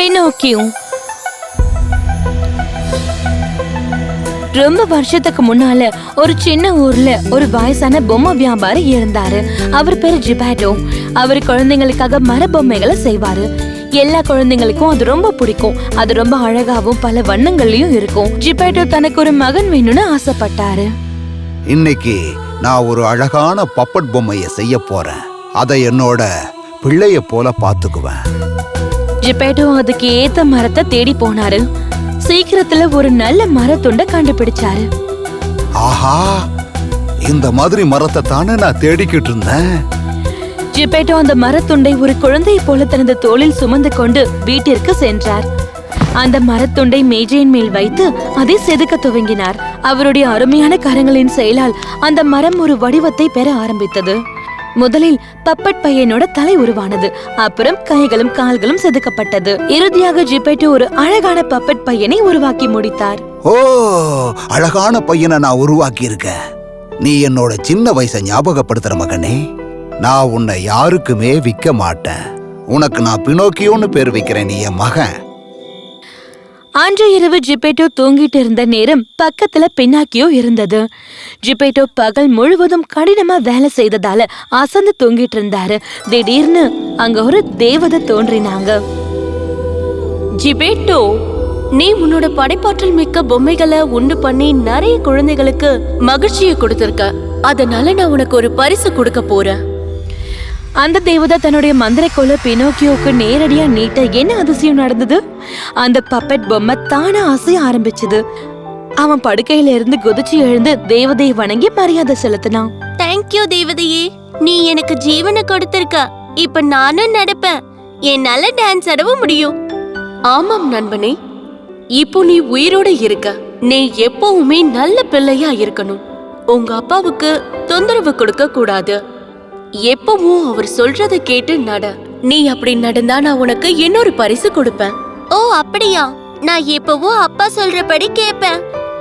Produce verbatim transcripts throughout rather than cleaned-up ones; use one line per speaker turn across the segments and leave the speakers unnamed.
Pinocchio. ரொம்ப வருஷத்துக்கு முன்னால ஒரு சின்ன ஊர்ல ஒரு வயசான பொம்மை வியாபாரி இருந்தாரு. அவர் பேரு ஜிபேட்டோ. அவர் குழந்தைங்களுக்காக மர பொம்மைகளை செய்வாரு. எல்லா குழந்தைங்களுக்கும் அது ரொம்ப பிடிக்கும். அது ரொம்ப அழகாவும் பல வண்ணங்கள்லயும் இருக்கும். ஜிபேட்டோ தனக்கு ஒரு மகன் வேணும்னு ஆசைப்பட்டாரு.
இன்னைக்கு நான் ஒரு அழகான பப்பட் பொம்மைய செய்ய போறேன். அதை என்னோட பிள்ளைய போல பாத்துக்குவேன்.
ஜிபேட்டோ அதுக்கு ஏத்த மரத்தை தேடி போனாரு. சீக்கிரத்துல ஒரு நல்ல மரத்துண்ட கண்டுபிடிச்சாரு.
ஆஹா, இந்த மாதிரி மரத்தை தானே நான் தேடிக்கிட்டு இருந்தேன்.
ஜிபேட்டோ அந்த மரத்துண்டை ஒரு குழந்தையை போல தனது தோளில் சுமந்து கொண்டு வீட்டிற்கு சென்றார். அந்த மரத்துண்டை மேஜையின் மேல் வைத்து அதை செதுக்க துவங்கினார். அவருடைய அருமையான கரங்களின் செயலால் அந்த மரம் ஒரு வடிவத்தை பெற ஆரம்பித்தது. முதலில் பப்பட் பையனோட தலை உருவானது. அப்புறம் கைகளும் கால்களும் செதுக்கப்பட்டது. இறுதியாக ஜிபேட்டோ ஒரு அழகான பப்பட் பையனை உருவாக்கி முடித்தார்.
ஓ, அழகான பையனை நான் உருவாக்கி இருக்கேன். நீ என்னோட சின்ன வயசை ஞாபகப்படுத்துற மகனே. நான் உன்னை யாருக்குமே விற்க மாட்டேன். உனக்கு நான் பினோக்கியோன்னு பேர் வைக்கிறேன். நீ என் மகன்.
அன்று இரவு ஜிபேட்டோ தூங்கிட்டு இருந்த நேரம் பக்கத்துல பினாக்கியோ இருந்தது. ஜிபேட்டோ பகல் முழுவதும் கடினமா வேலை செய்ததால அசந்து தூங்கிட்டு இருந்தாரு. திடீர்னு அங்க ஒரு தேவதை தோன்றினாங்க.
ஜிபேட்டோ, நீ உன்னோட படைப்பாற்றல் மிக்க பொம்மைகளை உண்டு பண்ணி நிறைய குழந்தைகளுக்கு மகிழ்ச்சியை கொடுத்திருக்க. அதனால நான் உனக்கு ஒரு பரிசு கொடுக்க போறேன்.
அந்த தேவதை தன்னுடைய மந்திரக்கோல பினோக்கியோவுக்கு நேரடியா நீட்ட என்ன அதிசயம் நடந்தது? அந்த பப்பட் பொம்மை தானா அசைய ஆரம்பிச்சது. அவன் படுக்கையில இருந்து குதிச்சு எழுந்து தேவதையை வணங்கி மரியாதை செலுத்தினான்.
தேங்க்யூ தேவதையே, நீ எனக்கு ஜீவனை கொடுத்திருக்க. இப்ப நானும் நடப்பேன். என்னால டான்ஸ் ஆடவும் முடியும். ஆமாம் நண்பனே, இப்போ நீ உயிரோட இருக்க. நீ எப்பவுமே நல்ல பிள்ளையா இருக்கணும். உங்க அப்பாவுக்கு தொந்தரவு கொடுக்க கூடாது. எப்பவும் அவர் சொல்றத கேட்டு நட. நீ அப்படி நடந்தா நான் உனக்கு இன்னொரு பரிசு கொடுப்பேன். ஓ அப்படியா? நான் எப்பவும் அப்பா சொல்றபடி கேட்பேன்.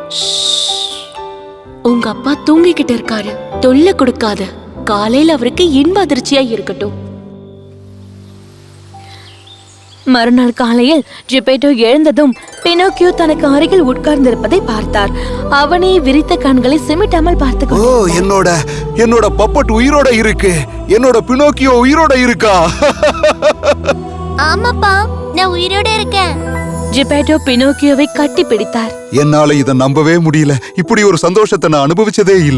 உங்க அப்பா தூங்கிக்கிட்டு இருக்காரு, தொல்லை கொடுக்காத. காலையில அவருக்கு இன்ப அதிர்ச்சியா இருக்கட்டும்.
மறுநாள் காலையில் ஜிபேட்டோ எழுந்ததும் பினோக்கியோ தனக்கு அருகில் உட்கார்ந்திருப்பதை பார்த்தார். அவனே விரித்த கண்களை சிமிட்டாமல் பார்த்து,
ஓ, என்னோட என்னோட பப்பட் உயிரோட இருக்கு. என்னோட பினோக்கியோ உயிரோட இருக்கா?
ஆமாப்பா, நான் உயிரோட இருக்கேன்.
ஜிபேட்டோ பினோக்கியோவை கட்டி பிடித்தார்.
என்னால இதை நம்பவே முடியல. இப்படி ஒரு சந்தோஷத்தை நான் அனுபவிச்சதே இல்ல.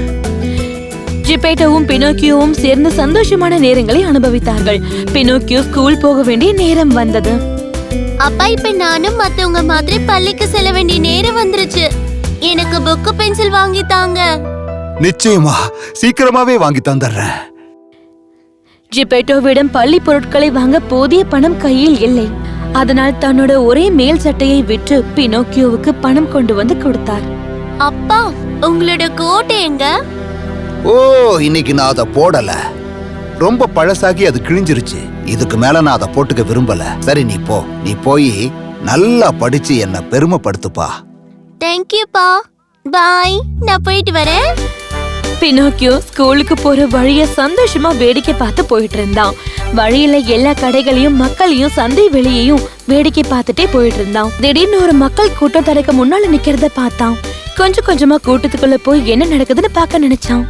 ஜிபேட்டோவும் பினோக்கியோவும் சேர்ந்து சந்தோஷமான நேரங்களை அனுபவித்தார்கள். பினோக்கியோ ஸ்கூல் போக வேண்டிய நேரம் வந்தது.
அப்பா, இப்ப நானும் மத்தவங்க மாதிரி பள்ளிக்கு செல்ல வேண்டிய நேரம் வந்துருச்சு. எனக்கு புக்கு பென்சில் வாங்கி தாங்க.
நிச்சயமா, சீக்கிரமாவே வாங்கி தந்துடுறேன்.
ஜிபேட்டோவிடம் பள்ளி பொருட்களை வாங்க போதிய பணம் கையில் இல்லை. அதனால் தன்னோட ஒரே மேல் சட்டையை விற்று பினோக்கியோவுக்கு பணம் கொண்டு வந்து கொடுத்தார்.
அப்பா, உங்களோட கோட் எங்க?
ஓ, இன்னைக்கு நான் அதை போடல. ரொம்ப பழசாகி அது கிழிஞ்சிருச்சு. இதுக்கு மேல நான் அதை போட்டுக்க விரும்பல. சரி, நீ போ. நீ போய் நல்லா படிச்சு என்ன பெருமைப்படுத்துப்பா.
தேங்க்யூப்பா. பாய், நான் போயிட்டு வரேன்.
பினோக்கியோ ஸ்கூலுக்கு போற வழிய சந்தோஷமா வேடிக்கை பார்த்து போயிட்டு இருந்தான். வழியில எல்லா கடைகளையும் மக்களையும் சந்தை வெளியையும் வேடிக்கை பார்த்துட்டே போயிட்டு இருந்தான். திடீர்னு ஒரு மக்கள் கூட்டம் தனக்கு முன்னால நிக்கிறத பார்த்தான். கொஞ்சம் கொஞ்சமா கூட்டத்துக்குள்ள போய் என்ன நடக்குதுன்னு பார்க்க நினைச்சான்.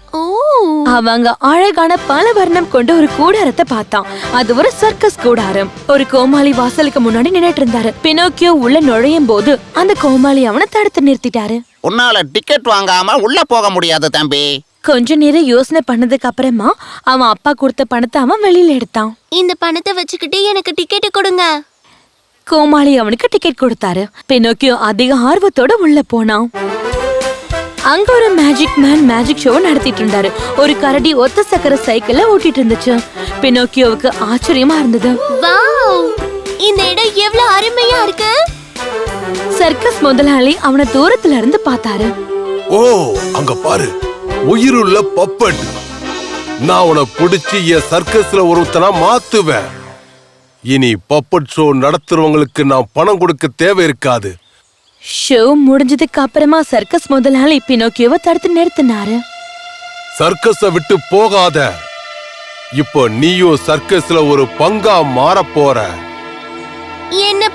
அவங்க அழகான பல வர்ணம் கொண்ட ஒரு கூடாரத்தை பார்த்தான். அது ஒரு சர்க்கஸ் கூடாரம். ஒரு கோமாளி வாசலுக்கு முன்னாடி நின்னுட்டு இருந்தாரு. பினோக்கியோ உள்ள நுழையும் போது அந்த கோமாளி அவனை தடுத்து நிறுத்திட்டாரு.
உன்னால டிக்கெட் வாங்காம உள்ள போக முடியாது தம்பி.
கொஞ்ச நேரம் யோசனை பண்ணதுக்கு அப்புறமா அவன் அப்பா கொடுத்த பணத்தை அவன் வெளியில எடுத்தான்.
இந்த பணத்தை வச்சுக்கிட்டு எனக்கு டிக்கெட் கொடுங்க.
கோமாளி அவனுக்கு டிக்கெட் கொடுத்தாரு. பினோக்கியோ அதிக ஆர்வத்தோட உள்ள போனான். அங்க ஒரு மேஜிக் மேன் மேஜிக் ஷோ நடத்திட்டு இருந்தாரு. ஒரு கரடி ஒத்த சக்கர சைக்கிள ஓட்டிட்டு இருந்துச்சு. பினோக்கியோவுக்கு ஆச்சரியமா இருந்தது.
வாவ், இந்த இடம் எவ்வளவு அருமையா இருக்கு.
சர்க்கஸ் முதலாளி அவனை தூரத்துல இருந்து பார்த்தாரு.
ஓ, அங்க பாரு, உயிருள்ள பப்பட். நான் உன பிடிச்சி என் சர்க்கஸ்ல ஒருத்தனா மாத்துவேன். இனி பப்பட் ஷோ நடத்துறவங்களுக்கு நான் பணம் கொடுக்க தேவை இருக்காது.
ஷோ முடிஞ்சதுக்கு அப்புறமா சர்க்கஸ் முதலாளி பினோக்கியோவை தடுத்து நிறுத்தினாரு.
சர்க்கஸ விட்டு போகாத. இப்போ நீயும் சர்க்கஸ்ல ஒரு பங்கா மாற போற.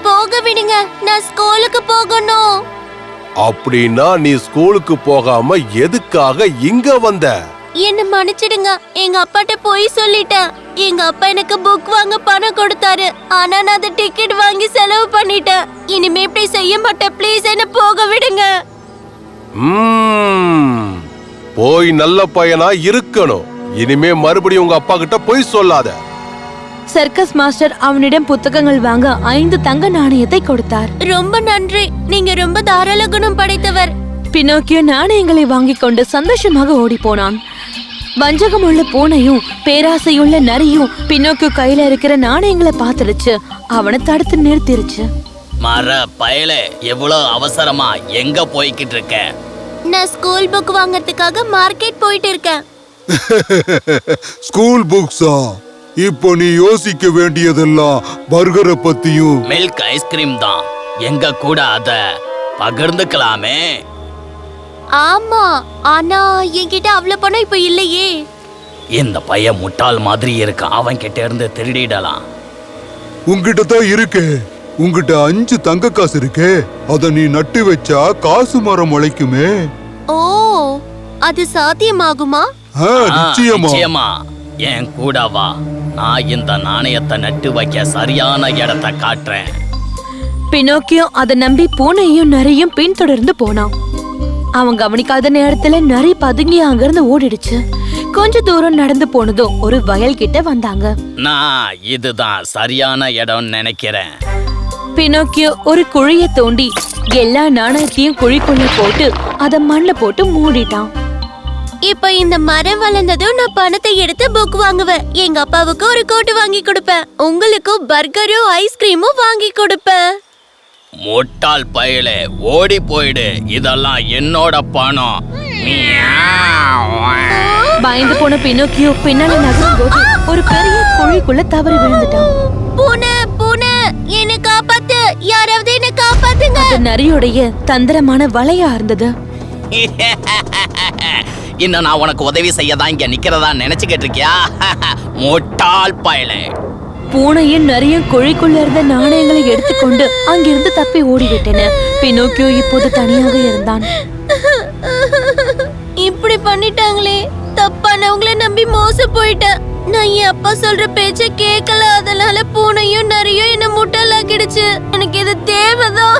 போக விடுங்க, நான் ஸ்கூலுக்கு போகணும்.
அப்படின்னா நீ ஸ்கூலுக்கு போகாம எதுக்காக இங்க வந்த?
என்ன மன்னிச்சிடுங்க, எங்க அப்பாட்ட போய் சொல்லிட்டேன். எங்க அப்பா எனக்கு புக் வாங்க பணம் கொடுத்தாரு, ஆனா நான் அந்த டிக்கெட் வாங்கி செலவு பண்ணிட்டேன். இனிமே இப்படி செய்ய மாட்டேன், ப்ளீஸ் என்ன போக விடுங்க.
ம்ம். போய் நல்ல பையனா இருக்கணும். இனிமே மறுபடியும் உங்க அப்பா கிட்ட போய் சொல்லாத.
சர்க்கஸ் மாஸ்டர் அவனிடம் புத்தகங்கள் வாங்க ஐந்து தங்க நாணயத்தை கொடுத்தார்.
ரொம்ப நன்றி, நீங்க ரொம்ப தாராள குணம் படைத்தவர்.
பினோக்கியோ நாணயங்களை வாங்கி கொண்டு சந்தோஷமாக ஓடி போனான். வஞ்சகமுள்ள பூனையும் பேராசையுள்ள நரியும் பினோக்கியோ கையில இருக்கிற நாணயங்களை பார்த்துடுச்சு. அவனை தடுத்து நிறுத்திருச்சு.
மர பயலே, எவ்வளவு அவசரமா எங்க போய்கிட்டு இருக்க?
நான் ஸ்கூல் புக் வாங்கறதுக்காக மார்க்கெட் போயிட்டு இருக்கேன்.
ஸ்கூல் புக்ஸா? இப்போ நீ யோசிக்க வேண்டியதெல்லாம் பர்கரை பத்தியும்.
மில்க் ஐஸ்கிரீம் தான். எங்க கூட அத பகிர்ந்துக்கலாமே.
ஆமா, ஆனா என்கிட்ட அவ்வளவு பணம் இப்ப இல்லையே.
இந்த பையன் முட்டாள் மாதிரி இருக்கான், அவன் கிட்ட இருந்து திருடிடலாம்.
உன்கிட்ட தான் இருக்கே. உன்கிட்ட அஞ்சு தங்க காசு இருக்கே, அத நீ நட்டு வச்சா காசு மரம் முளைக்குமே.
ஓ, அது சாத்தியமாகுமா?
ஆ,
ஆ,
நிச்சயமா.
நிச்சயமா. என் கூட வா, நான் இந்த நாணயத்தை நட்டு வைக்க சரியான இடத்தை காட்டுறேன்.
பினோக்கியோ அதை நம்பி பூனையும் நரியும் பின்தொடர்ந்து போனான். அவன் கவனிக்காத நேரத்துல நரி பதுங்கி அங்கிருந்து ஓடிடுச்சு. கொஞ்ச தூரம் நடந்து போனதும் ஒரு வயல் கிட்ட வந்தாங்க.
நான் இதுதான் சரியான இடம் நினைக்கிறேன்.
பினோக்கியோ ஒரு குழிய தோண்டி எல்லா நாணயத்தையும் குழிக்குள்ள போட்டு அத மண்ல போட்டு மூடிட்டான்.
இப்ப இந்த மரம் வளர்ந்ததும் நான் பணத்தை எடுத்து புக் வாங்குவேன். எங்க அப்பாவுக்கு ஒரு கோட்டு வாங்கி கொடுப்பேன். உங்களுக்கும் பர்கரும் ஐஸ்கிரீமும் வாங்கி கொடுப்பேன்.
முட்டாள் பயலே, ஓடி போயிடு, இதெல்லாம் என்னோட பணம்.
பயந்து போன பினோக்கியோ பின்னால நகரும் போது ஒரு பெரிய குழிக்குள்ள தவறி விழுந்துட்டான்.
பூனை, பூனை, என்ன காப்பாத்து, யாராவது என்ன காப்பாத்துங்க.
அது நரியோடைய தந்திரமான வலையா இருந்தது.
இன்னும் நான் உனக்கு உதவி செய்யதான் இங்க நிக்கிறதா நினைச்சுக்கிட்டு இருக்கியா? முட்டாள் பயலே.
பூனையும் நரியும் குழிக்குள்ள இருந்த நாணயங்களை எடுத்துக்கொண்டு அங்கிருந்து தப்பி ஓடிவிட்டன. பினோக்கியோ இப்போது தனியாக இருந்தான்.
இப்படி பண்ணிட்டாங்களே, தப்பானவங்களை நம்பி மோசம் போயிட்டேன். நான் என் அப்பா சொல்ற பேச்ச கேட்கல, அதனால பூனையும் நரியும் என்ன முட்டாளாக்கிடுச்சு. எனக்கு இது தேவைதான்.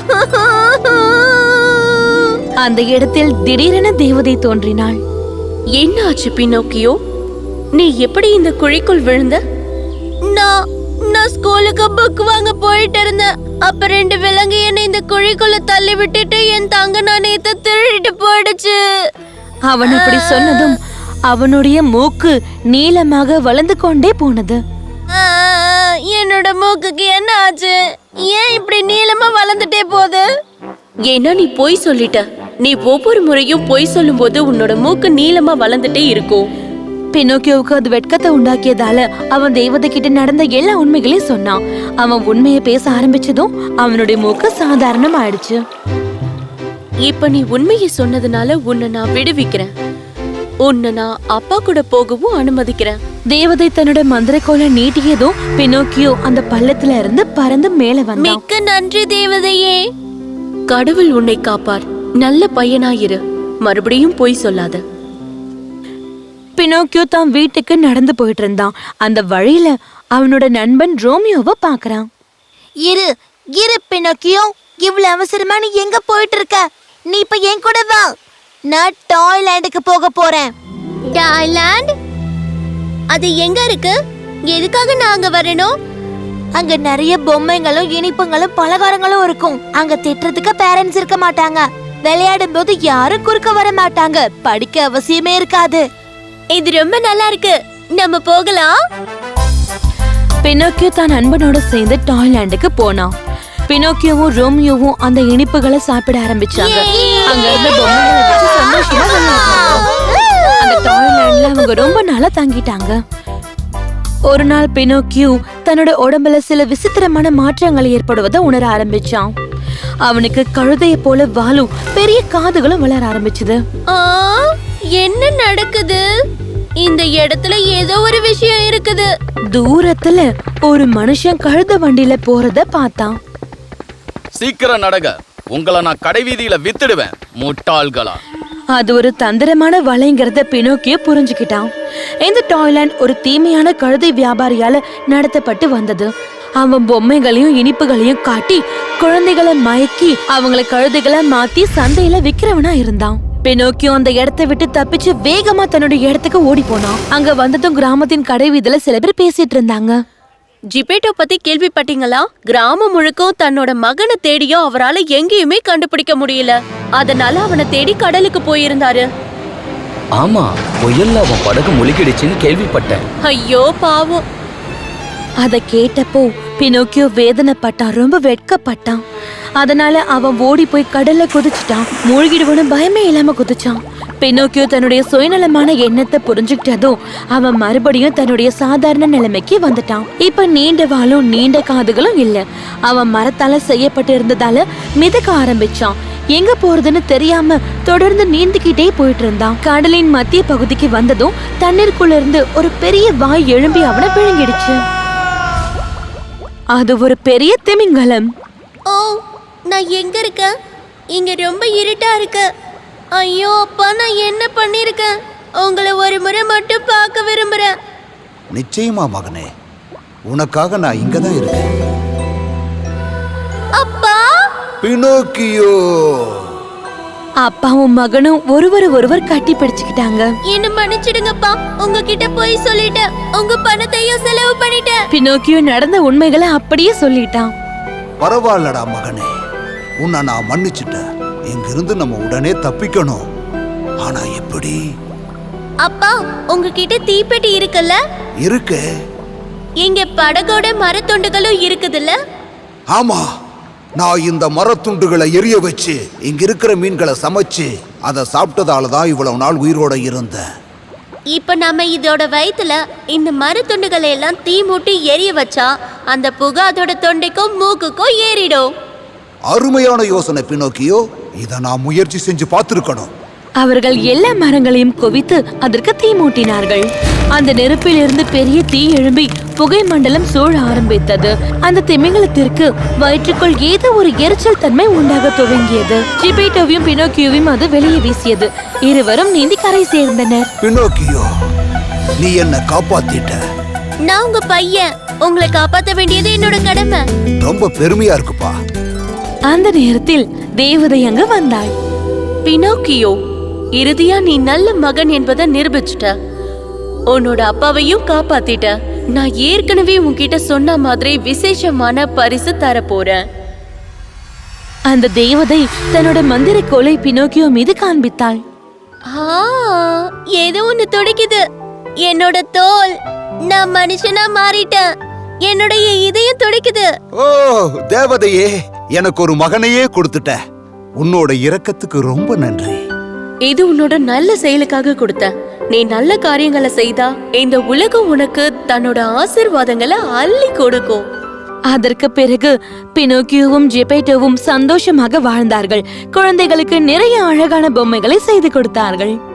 அந்த இடத்தில் திடீரென தேவதை தோன்றினாள்.
என்ன ஆச்சு பினோக்கியோ? நீ எப்படி இந்த குழிக்குள் விழுந்த? நான் நான் ஸ்கூலுக்கு புக் வாங்க போயிட்டு இருந்தேன். அப்ப ரெண்டு விலங்கு என்னை இந்த குழிக்குள்ள தள்ளி விட்டுட்டு என் தங்க நாணயத்தை திருடிட்டு போயிடுச்சு.
அவன் இப்படி சொன்னதும் அவனுடைய மூக்கு நீளமாக வளர்ந்து கொண்டே போனது.
ஆ, என்னோட மூக்குக்கு என்ன ஆச்சு? ஏன் இப்படி நீளமா வளர்ந்துட்டே போகுது? ஏன்னா நீ பொய் சொல்லிட்ட. நீ ஒவ்வொரு முறையும் பொய் சொல்லும் போது உன்னோட மூக்கு நீளமா வளர்ந்துட்டே இருக்கும்.
பினோக்கியோவுக்கு அது வெட்கத்தை உண்டாக்கியதால அவன் தேவதை கிட்ட நடந்த எல்லா உண்மைகளையும் சொன்னான். அவன் உண்மையை பேச ஆரம்பிச்சதும் அவனுடைய மூக்கு சாதாரணம் ஆயிடுச்சு.
இப்ப நீ உண்மையை சொன்னதுனால உன்னை நான் விடுவிக்கிறேன். உன்னை நான் அப்பா கூட போகவும் அனுமதிக்கிறேன்.
தேவதை தன்னோட மந்திரக்கோலை நீட்டியதும் பினோக்கியோ அந்த பள்ளத்துல இருந்து பறந்து மேல வந்தான்.
மிக்க நன்றி தேவதையே. கடவுள் உன்னை காப்பார். நல்ல பையனாயிரு. மறுபடியும் பொய் சொல்லாத.
பினோக்கியோ தான் வீட்டுக்கு நடந்து போயிட்டு இருந்தான். அந்த வழியில அவனோட நண்பன் ரோமியோவை பாக்குறான்.
இரு இரு பினோக்கியோ, இவ்வளவு அவசரமா நீ எங்க போயிட்டு இருக்க? நீ இப்ப என் கூட வா. நான் டாய்லாண்டுக்கு போக போறேன்.
டாய்லாண்ட்? அது எங்க இருக்கு? எதுக்காக நான் அங்க வரணும்?
அங்க நிறைய பொம்மைகளும் இனிப்புங்களும் பலகாரங்களும் இருக்கும். அங்க திட்டுறதுக்கு பேரண்ட்ஸ் இருக்க மாட்டாங்க. விளையாடும் போது யாரும் குறுக்க வர மாட்டாங்க. படிக்க அவசியமே இருக்காது.
இது ரொம்ப நல்லா இருக்கு. நம்ம போகலாம்.
பினோக்கியோ தான் நண்பனோட சேர்ந்து டாய்லாண்டுக்கு போனான். பினோக்கியோவும் ரோமியோவும் அந்த இனிப்புகளை சாப்பிட ஆரம்பிச்சாங்க. அங்க இருந்த பொம்மைகளை வச்சு சந்தோஷமா விளையாடுனாங்க. அந்த டாய்லாண்ட்ல அவங்க ரொம்ப நாளா தங்கிட்டாங்க. ஒரு நாள் பினோக்கியோ தன்னோட உடம்புல சில விசித்திரமான மாற்றங்கள் ஏற்படுவதை உணர ஆரம்பிச்சான். அவனுக்கு கழுதையை போல வாலும் பெரிய காதுகளும் வளர ஆரம்பிச்சது.
ஆ, என்ன நடக்குது? இந்த இடத்துல ஏதோ ஒரு விஷயம் இருக்குது.
தூரத்துல ஒரு மனுஷன் கழுத வண்டியில போறத பார்த்தான்.
சீக்கிரம் நடங்க, உங்களை நான் கடைவீதியில வித்துடுவேன் முட்டாள்களா.
அது ஒரு தந்திரமான வலைங்கிறத பினோக்கியோ புரிஞ்சுக்கிட்டான். இந்த டாய்லாண்ட் ஒரு தீமையான கழுதை வியாபாரியால நடத்தப்பட்டு வந்தது. அவன் பொம்மைகளையும் இனிப்புகளையும் காட்டி குழந்தைகளை மயக்கி அவங்கள கழுதைகளை மாத்தி சந்தையில விக்கிறவனா இருந்தான். பினோக்கியோ அந்த இடத்தை விட்டு தப்பிச்சு வேகமா தன்னுடைய இடத்துக்கு ஓடி போனான். அங்க வந்ததும் கிராமத்தின் கடைவீதியில சில பேர் பேசிட்டு இருந்தாங்க.
ஜிபேட்டோ பத்தி கேள்விப்பட்டீங்களா? கிராமம் முழுக்கும் தன்னோட மகனை தேடியோ அவரால எங்கேயுமே கண்டுபிடிக்க முடியல. அதனால அவனை தேடி கடலுக்கு போயிருந்தாரு.
ஆமா, புயல்ல அவன் படகு முழுகிடுச்சுன்னு கேள்விப்பட்டேன்.
ஐயோ பாவம்.
அத கேட்டப்போ பினோக்கியோ வேதனைப்பட்டான், ரொம்ப வெட்கப்பட்டான். அதனால அவன் ஓடி போய் கடல்ல குதிச்சுட்டான். மூழ்கிடுவனு பயமே இல்லாம குதிச்சான். பினோக்கியோ தன்னுடைய சுயநலமான எண்ணத்தை புரிஞ்சுக்கிட்டதும் அவன் மறுபடியும் தன்னுடைய சாதாரண நிலைமைக்கு வந்துட்டான். இப்ப நீண்ட வாலும் நீண்ட காதுகளும் இல்ல. அவன் மரத்தால செய்யப்பட்டு இருந்ததால மிதக்க ஆரம்பிச்சான். எங்க போறதுன்னு தெரியாம தொடர்ந்து நீந்திக்கிட்டே போயிட்டு இருந்தான். கடலின் மத்திய பகுதிக்கு வந்ததும் தண்ணீருக்குள்ள இருந்து ஒரு பெரிய வாய் எழும்பி அவனை விழுங்கிடுச்சு. அது ஒரு பெரிய திமிங்கலம்.
ஓ, நான் எங்க இருக்கேன்? இங்க ரொம்ப இருட்டா இருக்கு. ஐயோ அப்பா, நான் என்ன பண்ணிருக்கேன்? உங்களை ஒரு முறை மட்டும் பார்க்க விரும்புறேன்.
நிச்சயமா மகனே, உனக்காக நான் இங்கதான் இருக்கேன்.
அப்பா,
பினோக்கியோ.
அப்பாவும் மகனும் ஒருவர் ஒருவர் கட்டி பிடிச்சுக்கிட்டாங்க.
என்ன மன்னிச்சிடுங்கப்பா, உங்ககிட்ட போய் சொல்லிட்டேன். உங்க பணத்தையும் செலவு பண்ணிட்டேன்.
பினோக்கியோ நடந்த உண்மைகளை அப்படியே சொல்லிட்டான்.
பரவாயில்லடா மகனே, உன்னை நான் மன்னிச்சுட்டேன். இங்கிருந்து நம்ம உடனே தப்பிக்கணும். ஆனா எப்படி?
அப்பா, உங்ககிட்ட தீப்பெட்டி இருக்குல்ல?
இருக்கு.
இங்க படகோட மரத்துண்டுகளும் இருக்குதுல்ல?
ஆமா, நான் இந்த மரத்துண்டுகளை எரிய வச்சு இங்க இருக்கிற மீன்களை சமைச்சு அதை சாப்பிட்டதால தான் இவ்வளவு நாள் உயிரோட இருந்தேன்.
இப்ப நம்ம இதோட வயித்துல இந்த மரத்துண்டுகளை எல்லாம் தீ மூட்டி எரிய வச்சா அந்த புகை அதோட தொண்டைக்கும் மூக்குக்கும் ஏறிடும்.
அருமையான யோசனை பினோக்கியோ. இதை நான் முயற்சி செஞ்சு பார்த்திருக்கணும்.
அவர்கள் எல்லா மரங்களையும் குவித்து அதற்கு தீ மூட்டினார்கள். அந்த நெருப்பில் இருந்து பெரிய தீ எழும்பி புகை மண்டலம் சூழ ஆரம்பித்தது. அந்த திமிங்கலத்திற்கு வயிற்றுக்குள் ஏதோ ஒரு எரிச்சல் தன்மை உண்டாக துவங்கியது. ஜிபேட்டோவையும் பினோக்கியோவையும் அது வெளியே வீசியது. இருவரும் நீந்தி கரை சேர்ந்தனர்.
பினோக்கியோ, நீ என்ன காப்பாத்திட்ட.
நான் உங்க பையன், உங்களை காப்பாத்த வேண்டியது என்னோட கடமை.
ரொம்ப பெருமையா இருக்குப்பா.
அந்த நேரத்தில் தேவதை அங்கு வந்தாள்.
பினோக்கியோ, இறுதியா நீ நல்ல மகன் என்பதை நிரூபிச்சுட்ட. உன்னோட அப்பாவையும் காப்பாத்திட்ட. நான் ஏற்கனவே உன்கிட்ட சொன்ன மாதிரி விசேஷமான பரிசு தர போறேன்.
அந்த தேவதை தன்னோட மந்திர கோலை பினோக்கியோ மீது காண்பித்தாள்.
ஆ, ஏதோ ஒண்ணு துடிக்குது. என்னோட தோல். நான் மனுஷனா மாறிட்டேன். என்னுடைய இதயம் துடிக்குது.
ஓ தேவதையே, எனக்கு ஒரு மகனையே கொடுத்துட்ட. உன்னோட இரக்கத்துக்கு ரொம்ப நன்றி.
இது உன்னோட நல்ல செயலுக்காக கொடுத்த. நீ நல்ல காரியங்களை செய்தா இந்த உலகம் உனக்கு தன்னோட ஆசீர்வாதங்களை அள்ளி கொடுக்கும்.
அதற்கு பிறகு பினோக்கியோவும் ஜெபேட்டோவும் சந்தோஷமாக வாழ்ந்தார்கள். குழந்தைகளுக்கு நிறைய அழகான பொம்மைகளை செய்து கொடுத்தார்கள்.